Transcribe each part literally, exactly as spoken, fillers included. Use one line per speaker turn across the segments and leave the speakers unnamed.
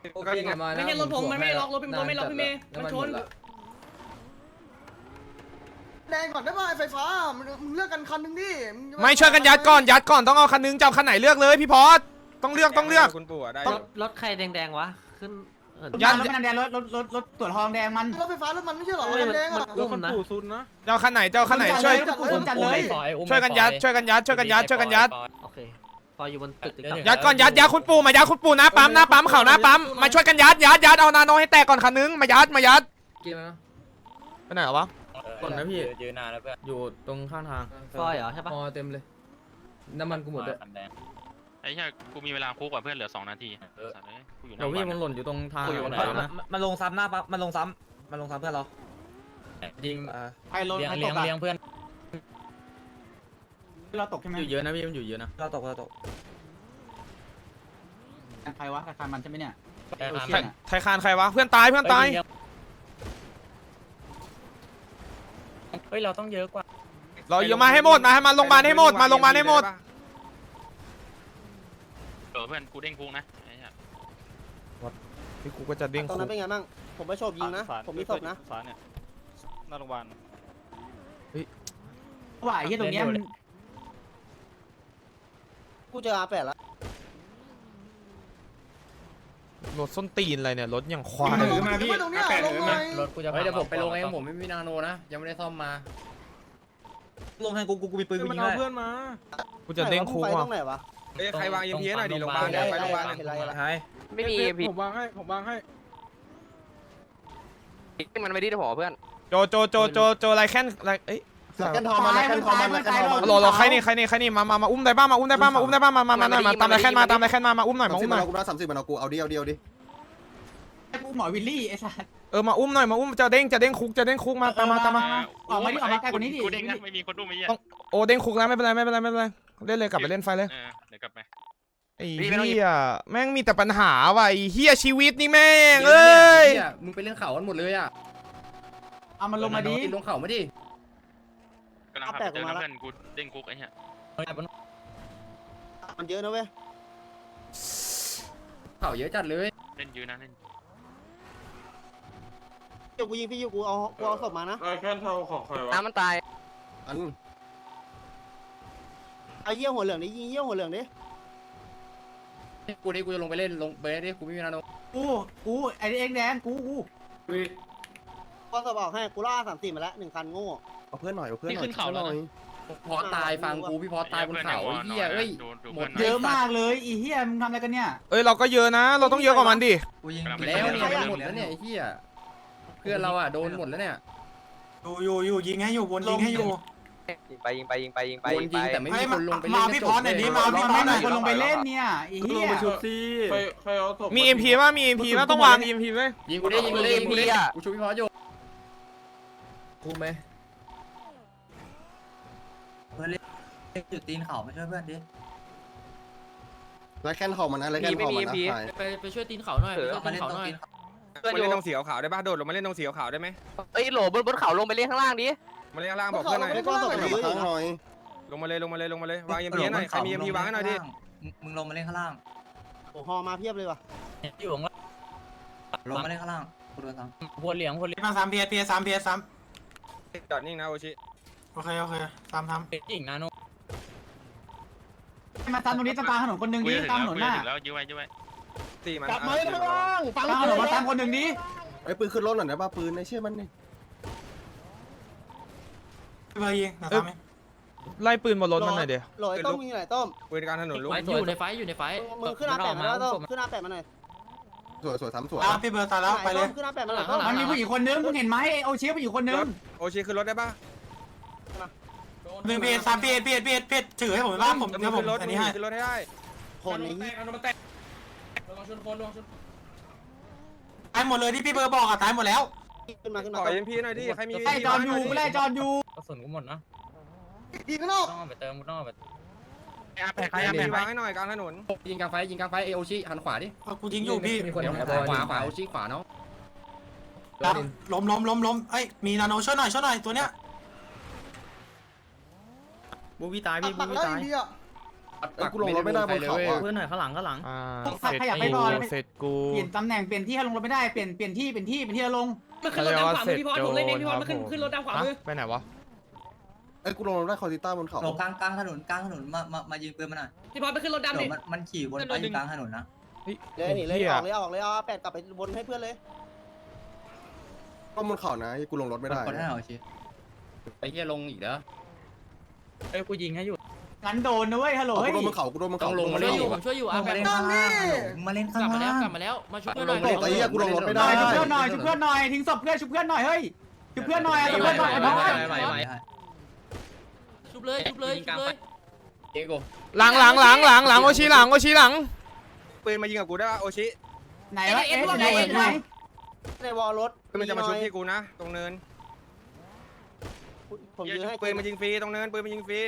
ไม่ใช่รถผมมันไม่ล็อกรถผมไม่ล็อกพี่เมย์มันชน
แดงก่อนได้ป่ะไฟฟ้ามึงเลือกกันคันนึงดิ
ไม่ช่วยกันยัดก่อนยัดก่อนต้องเอาคันนึงจะเอาคันไหนเลือกเลยพี่พอสต้องเลือกต้องเลือก
คุณปู่ได้
รถรถใครแดงๆวะขึ้น
ยัด
รถมันแดงรถรถรถรถตรวจทองแดงมัน
รถไฟฟ้ารถมันไม่ใช่หรอรถแดงอ่ะ
อุ้มนะ
จะเอาคันไหนจะเอาคันไหนช่วย
จัดเลย
ช่วยกันยัดช่วยกันยัดช่วยกันยัดช่วยกันยัด
โอเคฟอยอยู่บนตึก
ยัดก่อนยัดยัดคุณปู่มายัดคุณปู่นะปั๊มนะปั๊มเข่านะปั๊มมาช่วยกันยัดยัดยัดเอานาโนให้แตกก่อนคันนึงมายัดมายัดไปไหนวะ
ก่อนนะพี่ยืนนานแล้วเพื่อนอยู่ตรงข้างทาง
ฟอยเหรอใช่ปะ
พอเต็มเลยน้ำมันกูหมดเลย
ไอ้เหี้ยกูมีเวลาคุกกว่าเพื่อนเหลือสองนาทีกูอยู่ห
เดี๋ยว
น้า
พี่
บ้าน
มันหล่นอยู่ตรงทาง
อยู่ไหนนะ
มันลงซ้ำหน้าปั๊บมันลงซ้ำมันลงซ้ำเพื่อนเรายิง
ใครรถ
เลี้ยง
ใครต
เลี้ยง
กอะ
เลี้ยงเพื่อน
เราตกใช่ไหม
อยู่เยอะนะพี่มันอยู่เยอะนะเราตกเราตก
ใครวะใครมันใช่ไหมเนี่ย
ไทยคานใครวะเพื่อนตายเพื่อนตาย
เฮ้ยเราต้องเยอะกว่า
เราเยอะมาให้หมดมาให้มาโรงพยาบาลให้หมดมาโรงพยาบาลให้หมด
เออเพื่อนกูเด้งคุกนะไอ้เหี้ย
พี่กูก็จะเด้ง
ตรง
คุ
นั้น
ก
เป็นไงบ้างผมไม่โฉบยิงนะผมมีศพนะ
ฟ้าเนี่ยหน้าโรงพยาบาล
ไหวที่ตรงเนี้ยมัน
กูเจออาแปดแล้ว
รถส้นตีนอะไรเนี่ยรถอย่างควาย
มาพี่ตรงนี้ลงหน่อย
รถกูจะเดี๋ยวผมไปลงเองผมไม่มีนาโนนะยังไม่ได้ซ่อมมาลงให้กูกูกูมีปืนกูยิงได้เพื่อนมา
กูจะเด้งคุก
ไป
ว่ะ
ตรงไหนวะ
เฮ้ยใครวางเอ็มพีหน่อยดิโรงพยาบาลไปโรงพยาบาลใช่
ไม่มีพี่ผมวางให้ผมวางให้มันไม่ได้หอเพื่อน
โจโจโจโจโจไรแค่นไรเอ้ย
กันทองมากันทองมากันทองมา
โหลโหลใครนี่ใครนี่ใครนี่มามามาอุ้มได้บ้างมาอุ้มได้บ้างมาอุ้มได้บ้างมามามามาตามไรแค่นมาตามไรแค่นมามาอุ้มหน่อยมาอุ้มหน่อย
กูนะสามสิบมันเอากูเอาดิเอาดิเอาดิ
กูหมอวิลลี่ไอ้สัส
เออมาอุ้มหน่อยมาอุ้มจะเด้งจะเด้งคุกจะเด้งคุกมาตามมาตามมา
ออกมาดิออกมาใกล้กว่านี้ดิ
กูเด้งนะไม่มีคนดูไม่เหี้ย
โอ้เด้งคุกแล้วไม่เป็นไรไม่เป็นไรไม่เป็นไรเล่นเลยกลับไปเล่นไฟเลย
เออเดี๋ยวกลับไป
ไอ้เหี้ยแม่งมีแต่ปัญหาว่ะไอ้เหี้ยชีวิตนี่แม่งเอ้ย
มึงไปเล่นเขากันหมดเลยอ่ะ
เอามันลงมาดิ
ลงเขาไม่ดิ
กำลังขับไปเจอเพื่อนกูเด้งคุกไอ้เหี้ย
มันเยอะนะเว้ย
เขาเยอะจัดเลย
เล่นยืนนะเล่น
เดี๋ยวกูยิงพี่ยูกูเอากูเอาศพมานะ
แค่เท่าของใครวะ
น้ำมันตาย
อันไอ้เยี่ยหัวเหลืองดิยิงเยี่ยหัวเหลืองดิ
กูนี่กูจะลงไปเล่นลงไปดิกูไม่มีนาโน
กูกูไอ้เองแดงกูกู
ก็ศพออกให้กูล่าสามสี่มาแล้วหนึ่งคันโง่เอาเพื่อนหน่อยเอาเพื่อนหน่อย
ขึ้นเขาแล้วนะ
พอตายฟังกูพี่พอตายบนเขาเฮียเอ้ย หมด
เยอะมากเลยอีเหี้ยมึงทำอะไรกันเนี่ย
เอ้ยเราก็เยอะนะ เราต้องเยอะกว่ามันดิ
กูยิงแล้วเนี่ยหมดแล้วเนี่ยเฮียเพื่อนเราอ่ะโดนหมดแล้วเนี่ย
อยู่อยู่อยู่ยิงให้อยู่บนยิงให้อยู่
ยิงไปยิงไปยิงไปยิงไป
โดนยิงแต่ไม่มีคนลงไปเล่น
มาพี่พรหน่อยดิมาพี่พรหน่อยคนลงไปเล่นเนี่ยอีเหี้ย
มี เอ็ม พี ป่ะมี เอ็ม พี ป่ะต้องวาง เอ็ม พี ไว้
ยิงกูได้ยิงกูได้ยิงกูได้กูช่วยพี่พออยู่
คุกไหม
จุดตีนเขามาช่วยเพื่อนดิ
แล้วแค่ทองมันนะแล้วแค่ทองมันนะ
ไปไปช่วยตีนเขาหน่อยไปช่วยตีนเขาหน่อย
เพื่อน
มา
อยู่
เล่นตรงสีขาวได้ป่ะโดดลงมาเล่นตรงสีขาวได้ไหม
เอ้ยโหลบนบนเขาลงไปเล่นข้างล่างดิ
มาเล่นข้างล่างบอกเพื่อนหน่อย
ก็ศพมันข้างหน่อย
ลงมาเลยลงมาเลยลงมาเลยวางเอ็มพีหน่อยใครมีเอ็มพีวางให้หน่อยดิ
มึงลงมาเล่นข้างล่าง
โอ้ฮอมาเพียบเลยว่ะ
อยู่ข้างล่าง
ลงมาเล่นข้างล่างกูโดนซ้ำ
พวกเหลียงพวกเหลียง
มาสามเพียร์เพียร์สามเพียร์สาม
จอดนิ่งนะโอชิ
โอเคโอเคสามท
จริงนะโน
ำมาตามตรงนี้ตามกลางถนนคนหนึ่ง
กู
ดิ
จะถึง
ตามถ
แล้ว
นน
กู
ห
จะ
น้า
ถึงแล้วยื้อไว้ยื้อไว้
ตีมัน
จับมือข้างล่างฟัง
ตามถนนมาตามคนหนึ่งดิ
ไอ้ปืนขึ้นรถหน่อยนะป้าปืนในเชื่อมันนี่
ไปเบอร์ยิงนะทำไหม
ไล่ปืนบนรถมันหน่อยเดี๋ยว
โหลยต้มมีไหนต้ม
ปืนกลางถนนลุก
อยู่ในไฟอยู่ในไฟ
มือขึ้นหน้าแปดมาแล้วต้มขึ้นหน้าแปดมาหน่อย
สวยสวยซ้ำสวย
ตามพี่เบอร์ตายแล้วไปเลย
ขึ้นหน้าแปดมาหน่อยต้ม
มันมีผู้หญิงคนนึงมึงเห็นไหมโอเชียผู้หญิงคนนึง
โอชิขึ้นรถได้ป่ะ
หนึ่งเพียร์สามเพียร์เพียร์เพียร์เพียร์ถือให้ผมบ้างผม
ขึ้
เดี๋ยวผม
นรถ
อันนี้ให้
ขึ้นรถให้ได้
คนนี้
ตายหมดเลยที่พี่เบอร์บอกอะตายหมดแล้ว
ขึ้นมาขึ้น
ข
มา
อเอ็มพีหน่อยดิใครมี
ไล่จอนอยู่ไล่จอนอยู่
กระสุนกูหมดนะ
ดีข้างนอก
ต้องเอาไปเติมต้องเอาไป
แปะ
ใครเอาไปวางให้หน่อยกลางถนนยิงกลางไฟยิงกลางไฟเอโอชิหันขวาดิ
กูยิงอยู่พี่
ขวาขวาโอชิขวาเนาะ
ล้มล้มล้มล้มเอ้ยมีนาโนช่วยหน่อยช่วยหน่อยตัวเนี้ย
บูบี้ตาย
ปั
พี่
ก
บู
ปัก
บี้
แล้ว
ตาย
ดีอ่ะ
กูลงรถไม่ได้บนเขาอ่ะ
เพื่อนหน่อยข้างหลังข้างหลัง
อ่า
ขยับไป
เสร็จ
ก่อน
กูเสร็จกู
เปลี่ยนตำแหน่งเปลี่ยนที่ให้ลงรถไม่ได้เปลี่ยนเปลี่ยนที่เป็นที่เป็นที่ให้ลง
มันขึ้นรถดำขวามือพี่พอดผมเล่นเองพี่พอดมันขึ้นขึ้นรถดำขวามือ
ไปไหนวะ
ไอ้กูลงรถได้คอติต้าบนเขาลงกลางกลางถนนกลางถนนมามามายิงปืนมันหน่อย
พี่พอดไปขึ้นรถดำ
เดี๋
ดิ
ยวมันมันขี่วนไปอยู่กลางถนนนะ
เลยหนีเลยออกเลยออกเลยเอาแปดกลับไปบนให้เพื่อนเลย
ก็บนเขานะกูลงรถไม่ได้
กดให้หน่อยชิไอ้เหี้ยลงอีกแล้วไอ้กูยิงให้อยู่
งั้นโดนนะเว้ยฮัลโหล
กู
เฮ้ย
โดนบนเขากูโดนบนเขา
ช่วยอยู่ผมช่วยอยู่อ่ะ
มาเล่นข้างล่างมาเล่น
ก
ข้าง
ลับมาแล้ว
ล่าง
กลับมาแล้วมาช่วยหน่อย
ไอ้เหี้ยกูลงรถไม่ได้
ชุบเพื่อนหน่อยชุบเพื่อนหน่อยทิ้งศพเพื่อนชุบเพื่อนหน่อยเฮ้ยชุบเพื่อนหน่อยชุบเพื่อนหน่อยน้อง
ชุบเลยชุบเลยชุบเลย
เอโก้
หลังหลังหลังหลังหลังโอชิหลังโอชิหลัง
ปืนมายิงกับกูได้ป่ะโอชิ
ไหนวะเอ็ไหนไหน
ในวอลรถ
มันจะมาชุบพี่กูนะ ตรงเนิน
ผมยืนให้
ปืนมายิงฟรีตรงเนินปืนมายิงฟรี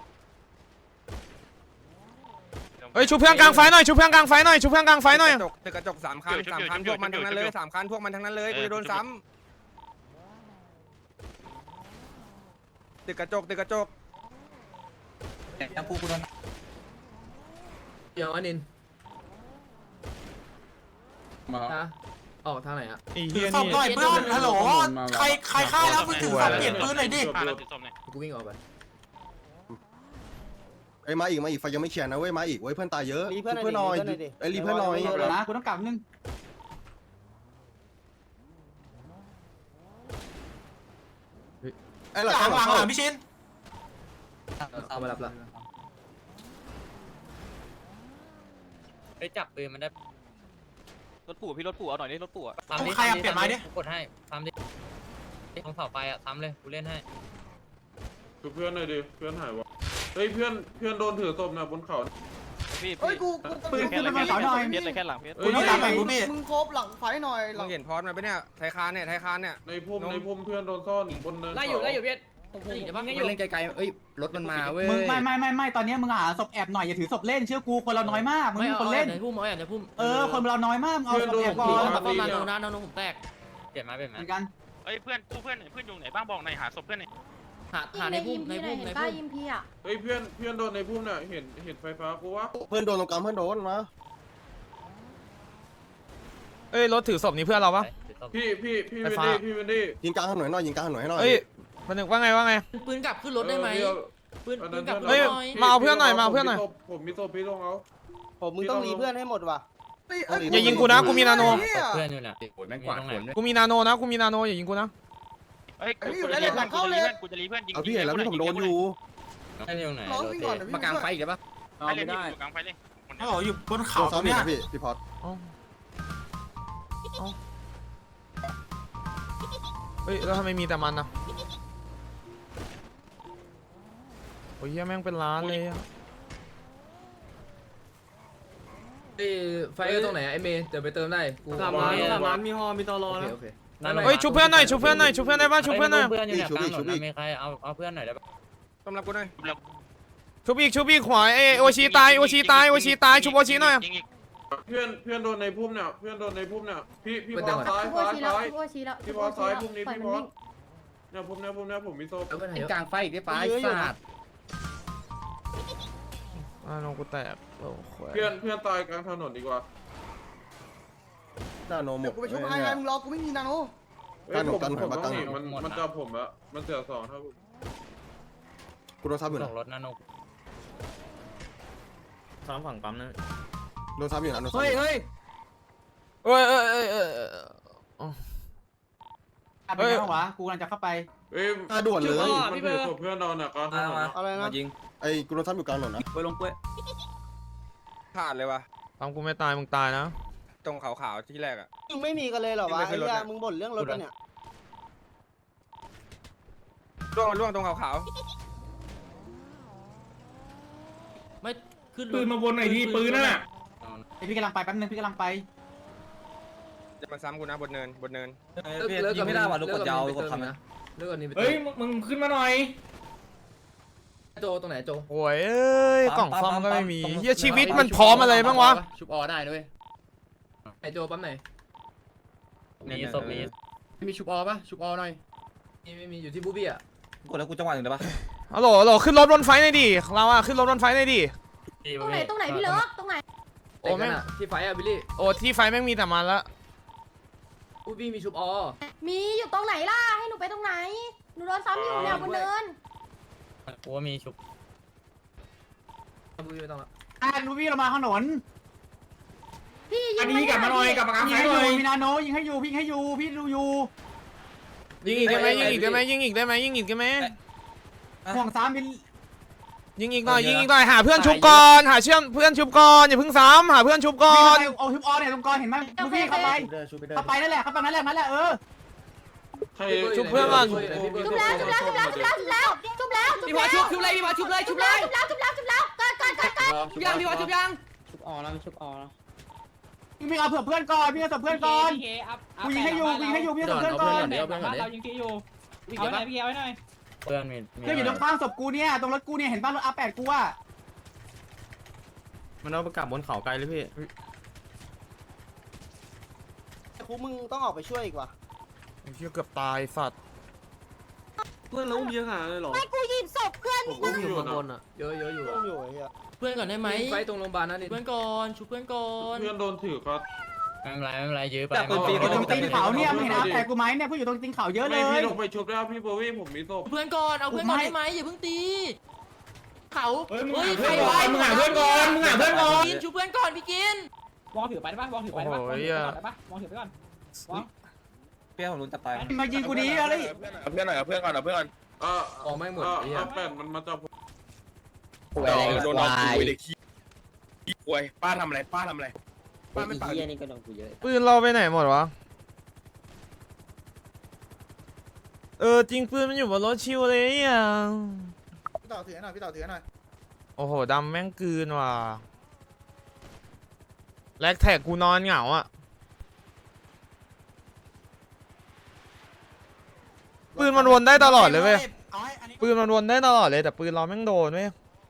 เฮ้ยชุบเพื่อนกลางไฟหน่อยชุบเพื่อนกลางไฟหน่อยชุบเพื่อนกลางไฟหน่อย
กระจกตึกกระจกสามคันสามคันพวกมันทั้งนั้นเลยสามคันพวกมันทั้งนั้นเลยกูจะโดนซ้ำตึกกระจกตึกกระจก
ยังกูกูโดน
เดี๋ยวอันนินมาออกทางไหนอ่ะ
ไอ้
ถื
เหี้
อย ศพ
นี่
หน่อยเพื่อนฮัลโหลใครใครฆ่าแล้วมึงถือศพเปลี่ยนปืนหน่อยดิ
ฆ่าแล้วติดศพหน่อย
กูวิ่งออกไป
ไอ้มาอีกมาอีกไฟยังไม่เคลียร์นะเว้ยมาอีกเว้ยเพื่อนตายเยอะ
รีเพื่อน
เพื่อนหน่อยไอ้รีเพื่อนหน่อย
เดี๋ยวนะกูต้องกลับนึง
ไอ้หลัง
หลังหลังหลังพี่ชิน
เอามารับละ
ไปจับปืนมันได้
รถปู่พี่รถปู่เอาหน่อยดิรถปู่
ใครอะเปลี่ยนไม้ดิ
กดให้ทำดิตรงเสาไฟอ่ะทำเลยกูเล่นให้
คือเพื่อนหน่อยดิเพื่อนหายวะเฮ้ยเพื่อนเพื่อนโดนถือศพนะบนเขา
พี่
เฮ้ยกู
ปืนขึ้นมาเขาหน่อย
เพี้ยนเลยแค่หลังเพี้ยน
กูนี่หลังไหนกูพี่
มึงโคบหลังไฟหน่อยห
มึ
ลัง
งเห็นพอดมาปะเนี่ยไทยคานเนี่ยไทยคานเนี่ย
ในพุ่มในพุ่มเพื่อนโดนซ่อนบนเนิน
ไล่อยู่ไล่อยู่พี่ผมผม
เดี๋ยวบ้าง
ไง
ไง
อยู่
เล่นไกลๆเอ้ยรถมันมาเว้ย
มึงไม่ไม่ไม่ไม่ตอนนี้มึงหาศพแอบหน่อยอย่าถือศพเล่นเชื่อกูคนเราน้อยมากมึง
ไม่
มี
เอา
คน
เล่
เล่
น
น
ไหนพุ่มเอาไหนพุ่ม
เออคนเราน้อยมากเอาศพแอบก่อน
มาป้อมนาโนนะนาโนผมแตก
เปลี่ยนไม้เปลี่ยน
เห
ไม้
มือนกัน
เอ้ยเพื่อนกูเพื่อนเพื่อนอยู่ไหนบ้างบอกหน่อยหาศพเพื่อนหน่อย
หาหาในพุ่มในพุ่มใน
ป้า
พุ่ม
ยิมพี่อ่ะ
เฮ้ยเพื่อนเพื่อนโดนในพุ่มเนี่ยเห็นเห็นไฟฟ้ากูวะ
เพื่อนโดนตรงกลางเพื่อนโดนมา
เอ้ยรถถือศพนี่เพื่อนเราปะ
พี่พี่พี่
ไฟ
เวน
ฟ้า
ดี้พี่เวนดี้
ยิงกลางถนนหน่อยยิงกลางถนนให้หน่อย
เอ้ยมันนึกว่าไงว่าไง
ปืนกลับขึ้นรถได้ไหมปืนปืนกลับรถ
เฮ้ย
หน่อย
มาเอาเพื่อนหน่อยมาเอาเพื่อนหน่อย
ผมมีศพพี่ต้องเอา
ผมมึงต้องรีเพื่อนให้หมดว่ะ
อย่ายิงกูนะกูมีนาโน
เพื่อนอยู่เนี่ยโอ้ยแม่งกวาดขนเลย
กูมีนาโนนะกูมีนาโนอย่ายิงกูนะ
เอ้ยกูจะรีเพื่อนกูจะรีเพื่อนกูจะรีเพื่อนยิง
เอาพี่เห็นแล้วพี่ผมโดนอยู่
ให้ตรงไหน
ร้องวิ่งก่อนเดี๋ยว
มากลางไฟอีกได้ปะ
ไม่เล่นที่อยู่กลางไฟเลย
ฮัลโหลอยู่บน
โด
เขา
นซ้ำอี
เนี่
ก
ย
นะพี่พี่พอด
เฮ้ยแล้วทำไมมีแต่มันนะโอ้ยเหี้ยแม่งเป็นล้านเลยอะ
ไฟตรงไหนไอเมย์เดี๋ยวไปเติมได้กู
สามล้านสามล้านมีฮอมีตอรอนะ
โอเค
เฮ้ยชุบเพื่อนหน่อยชุบเพื่อนหน่อยชุบเพื่อนได้ป่ะชุบเพื่อนหน่อย
เพื่อนอยู่เนี่ยกลางถนนมีใครเอาเอาเพื่อนหน่อยได้ปะ
สำหรับกูหน่อย
ชุบอีกชุบอีกขวาเอยโอชิตายโอชิตายโอชิตายชุบโอชิหน่อย
เพื่อนเพื่อนโดนในพุ่มเนี่ยเพื่อนโดนในพุ่มเนี่ยพี่พี่พอซ้าย
โอ้
ซ้าย
ชี้แล้ว
ซ้าย
โอ้ชี้แล้ว
พี่พอซ้ายพุ่มนี้
ปล่อย
พี่
มัน
พอ
วิ่ง
เนี่ยพุ่มเนี่ยพุ่มเนี่ยผมมีศพ
แล้วก็ไหน
ไอ้กลางไฟอีกได้ปะไอ้สัตว์
อ่าน้องกูแตกโอ้โห
เพื่อนเพื่อนตายกลางถนนดีกว่า
นาโนหมด
กูไปชุบไอ้ไงมึงรอกูไม่มีนาโน
เอ้ยผมผมต้องหนีมันมันจับผมละมันเสียสองถ้า
กูโดนซ้ำอยู่
ส่
นะ
งรถนะนุก
ซ้อมฝั่งปั๊มนะ
โดนซ้ำอยู่นะโดนซ้ำ
เฮ้ยเฮ้ย
เอ้ยเอ้ยเอ้ยเอ้ยเอ้ย
อะไรกันวะกูกำลังจะเข้าไป
เอ้ย
อ่ะด่วนเลย
มันถือศพเพื่อนนอนอ่ะกลางถนนอะ
อะไรนะ
ยิง
ไอ้กูโดนซ้ำอยู่กลางถนนนะ
ไปลงเป้ย
ขาดเลยว่ะ
ปั๊มกูไม่ตายมึงตายนะ
ตรงขาวๆที่แรกอ่ะ
มึงไม่มีกันเลยเหรอวะ
ไม่
ไอ้
เคยรถ
เหี้ย
อะ
มึงบ่นเรื่องรถปะเนี่ย
ล่วงล่วงตรงขาว
ไม่ขึ้น
ปืนมาบนไหนดีปืนน่ะ
ไอพี่กำลังไปแป๊บนึงพี่กำลังไป
ๆจะมาซ้ำกูนะบนเนินบนเนิน
เลิกกันไม่ได้ว่ะลูกกดยาวลูกกดทำนะเลิกกันนี่ไป
เฮ้ยมึงขึ้นมาหน่อย
โจตรงไหนโจ
โอ้ยเอ้ยกล่องซ่อมก็ไม่มีเฮียชีวิตมันพร้อมอะไรบ้างวะ
ชุบออได้ด้วย
ไอโจปั๊มไหน
มีศพมี
มีชุบออปะชุบออหน่อยมีไม่มีอยู่ที่บูบี้อ่ะ
กดแล้วกูจังหวะหนึ่งได้ปะ
ฮัลโหลฮัลโหลขึ้นรถบนไฟหน่อยดิเราอะขึ้นรถบนไฟหน่อยดิ
ตรงไหนตรงไหนพี่เลิกตรงไหน
โอ้แม่ง
ที่ไฟอะบิลลี่
โอ้ที่ไฟแม่งมีแต่มันละ
อุ้ยพี่มีชุบอ
มีอยู่ตรงไหนล่ะให้หนูไปตรงไหนหนูโดนซ้ำอยู่เนี่ยบนเนิน
กูว่ามีชุบ
อุ้ยไม่ต้องละ
อ่าลูบี้เรามาถนน
พี่ยิ
อั
ง
นนี้กลับมาหน่อยกลับมากลางไฟหน่อยมีนาโนยิงให้อยู่พี่ให้อยู่พี่ดูอยู่
ยิงอีกได้ไหมยิงอีกได้ไหมยิงอีกได้ไหมยิงอีกได้ไหม
ห่วงสามบิน
ยิงอีกหน่อยยิงอีกหน่อยหาเพื่อนชุบก่อนหาเชื่อมเพื่อนชุบก่อนอย่าเพิ่งซ้ำหาเพื่อนชุบก่อน
เอาฮิปออนเนี่ยตรงกอนเห็นไหมลูบี้เข้าไปเข้าไปนั่นแหละเข้าไปนั่นแหละนั่นแหละเออ
ใคร
ชุบเพื่อนก่อน
จุบแล้วจุบแล้วจุบแล้วจุบแล้วจุบแล้วจุบแล้วจุบ
พี่
แล้ว
วาชุบชุบเลยพี่วาชุบเลยชุบเลย
จุบแล้วจุบแล้วจุบแล้วเกิดเกิดเกิดเกิด
ชุบยังพี่วาชุบยัง
ชุบออแล้วชุบออแล้ว
พี่เอาเผื่อเพื่อนก่อนพี่เอาเผื่อเพื่อนก่อนกูยิงให้อยู่กูยิงให้อยู่พี่เอาเผื่อเพื่อนก่อน
เดี๋ยวเพื่อนก่อน
เรา
เดี๋ยว
ยิงที่อยู่เอาหน่อยพี่เอาหน่อย
เพื่อนมี
เพื่อนอยู่ตรงข้างศพกูเนี่ยตรงรถกูเนี่ยเห็นป่ะรถอาแปดกูอ่ะ
มันเอาไปกลับบนเขาไกลเลยพี่
ครูมึงต้องออกไปช่วยอีกว่ะ
ไอ้เชี่ยเกือบตายสัตว์
เพื่อนเราอุ้มเยอะขนาดเลยเหรอ
ไม่กูหยิบศพเพื่อน
ผมอุ้มอยู่นะ
อ่ะเยอะเยอะอยู่
อุ้มอยู่ไอ้เหี้ย
เพื่อนก่อนได้ไหม
ไฟตรงโรงพยาบาลนั่นนี่
เพื่อนก่อนชุบเพื่อนก่อน
เพื่อนโดนถือครับ
ไม่เป็นไรไม่เป็นไรยื้อไป
ตรงตีนเขาเนี่ยมึงเห็นอาแปดกูไหมเนี่ยผู้อยู่ตรงตีนเขาเยอะเล
ไม่พี่
ย
ลงไปชุบแล้วพี่โบวี่ผมมีศพ
เพื่อนก่อนเอาเพื่อนก่อนได้ไหมอย่าเพิ่งตีเขาเฮ้ย
เพื่อนก่อนมึงหาเพื่อนก่อนมึงหาเพื่อนก่อน
กินชุบเพื่อนก่อนพี่กิน
วองถือไปได้ปะวองถือไปได้ปะวองถือไปก่อนได้ปะวองถือไปก่อนวอง
เพื่อนของลุงจะตาย
มายิงกูดีอะไร
เอาเพื่อนหน่อยเอาเพื่อนก่อนเอาเพื่อนก่อน
อ่า
ออกไม่หมด
อ่า
ไอ้เหี้ย
อ่าแปดมันมาจับผม
โดนเอาคุยเลยขี้ขี้ควยป้าทำอะไรป้าทำอะไรป้าไม่ปาก
นี่ก็โดนกูเยอะ
ปืนเราไปไหนหมดวะเออจริงปืนมันอยู่บนรถชิวเลยอ่ะ
พี่ต่อถือหน่อยพี่ต่อถือหน่อย
โอ้โหดำแม่งกลืนว่ะแลกแท็กกูนอนเหงาอ่ะปืนมันวนได้ตลอดเลยเว้ยปืนมันวนได้ตลอดเลยแต่ปืนเราแม่งโดนเว้ย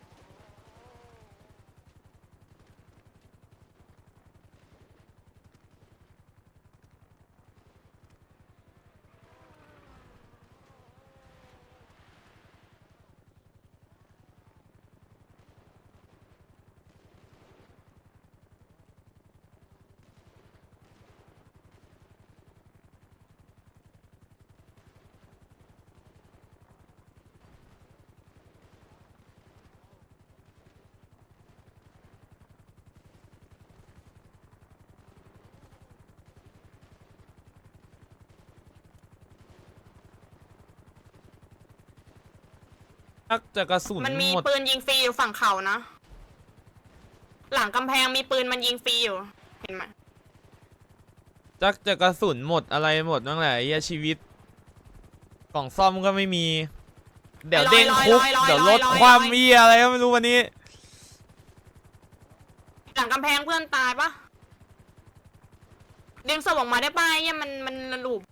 นักจะกระสุน
มันมี
หมด
ปืนยิงฟรีอยู่ฝั่งเขานะหลังกำแพงมีปืนมันยิงฟรีอยู่เห็นไหม
จักจะกระสุนหมดอะไรหมดนั่นแหละไอ้เหี้ยชีวิตกล่องซ่อมก็ไม่มี เดี๋ยวเด้งคุกเดี๋ยวลดความเหี้ยอะไรก็ไม่รู้วันนี้
หลังกำแพงเพื่อนตายปะดึงศพออกมาได้ป่ะเนี่ยมันมันหลูบ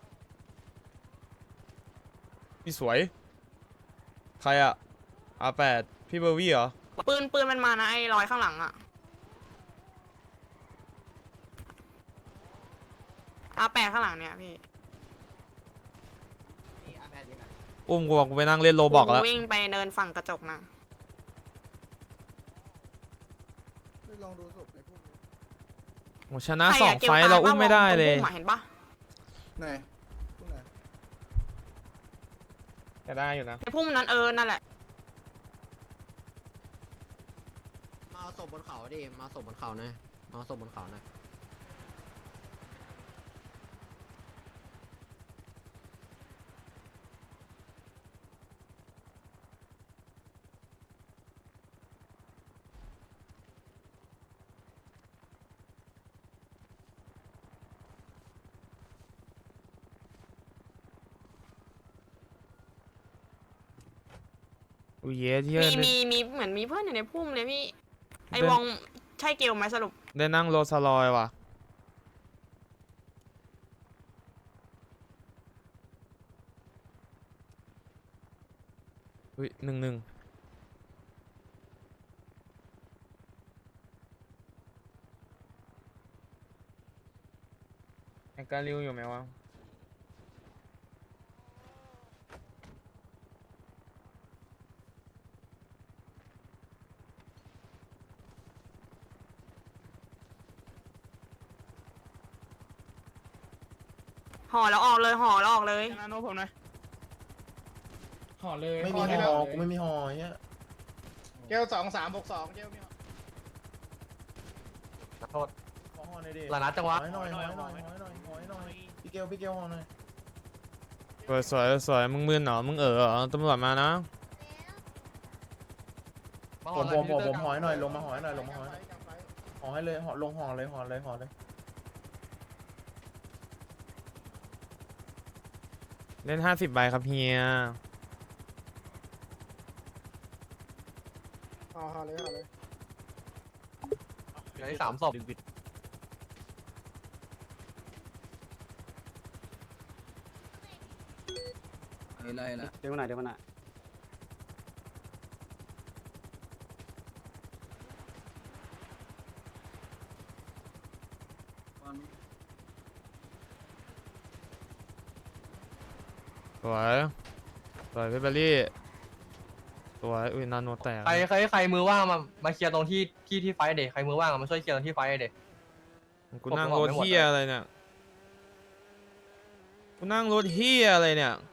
พี่สวยใครอะอาแปดพี่เบอร์วี่เหรอ
ปืนปืนมันมานะไอ้รอยข้างหลังอะอาแปดข้างหลังเนี่ยพี่
อุ้มกูบอกกูไปนั่งเล่นโรบอกแล้ว
วิ่งไปเนินฝั่งกระจกนะ
ลองดูศพในพวก
โหชนะสองไฟต์เราอุ้มไม่ได้เลย
เห็นปะ
ไหนพวกไหน
จะได้อยู่นะ
ไอ้พุ่มนั้นเออนั่นแหละ
มาศพบนเขาดิมาศพบนเขาหน่อยมาศพบนเขาหน่อย
อุ้ยเย้ที่
มี
ได้
มีมีเหมือนมีเพื่อนอยู่ในพุ่มเลยพี่ไอ้
เดิน
วองใช่เกลไหมสรุป
ได้นั่งโรสลอยว่ะอุ้ยหนึ่งหนึ่งไอ้การิวอยู่ไหมวะ
ห่อแล้วออกเลยห่อแล้วออกเลย
นาโนผมนะ
ห่อเลย
ไม่มีหอกูไม่มีหอเนี้ย
เกลสองสามหกสองเกลมี
โทษหอหน่อยดิหลานัดจังวะหน่อยหน่อยหน่อยหน่อยหน่อยหน่อยหน่อยพี่เกลพี่เกลหอหน่อย
สวยสวยสวยมึงมึนเหรอมึงเออเหรอตำรวจมานะ
ผมผมผมผมหอยหน่อยลงมาหอยหน่อยลงมาหอยหอให้เลยหอลงหอเลยหอเลยหอเลย
เล่นห้าสิบใบครับเฮีย
ห่อเลยห่อเลย
เหลือสามศพ
อะไรล่ะ
เดี๋ยวมาหน่อยเดี๋ยวมาหน่อย
สวยสวยพี่เบลลี่สวยอุ้ยนาโนแตก
ใครใครใครมือว่างมามาเคลียร์ตรงที่ที่ที่ไฟเด็กใครมือว่างมาช่วยเคลียร์ตรงที่ไฟเด็ก
กูนั่งรถเฮียอะไรเนี่ยกูนั่งรถเฮียอะไรเนี่ย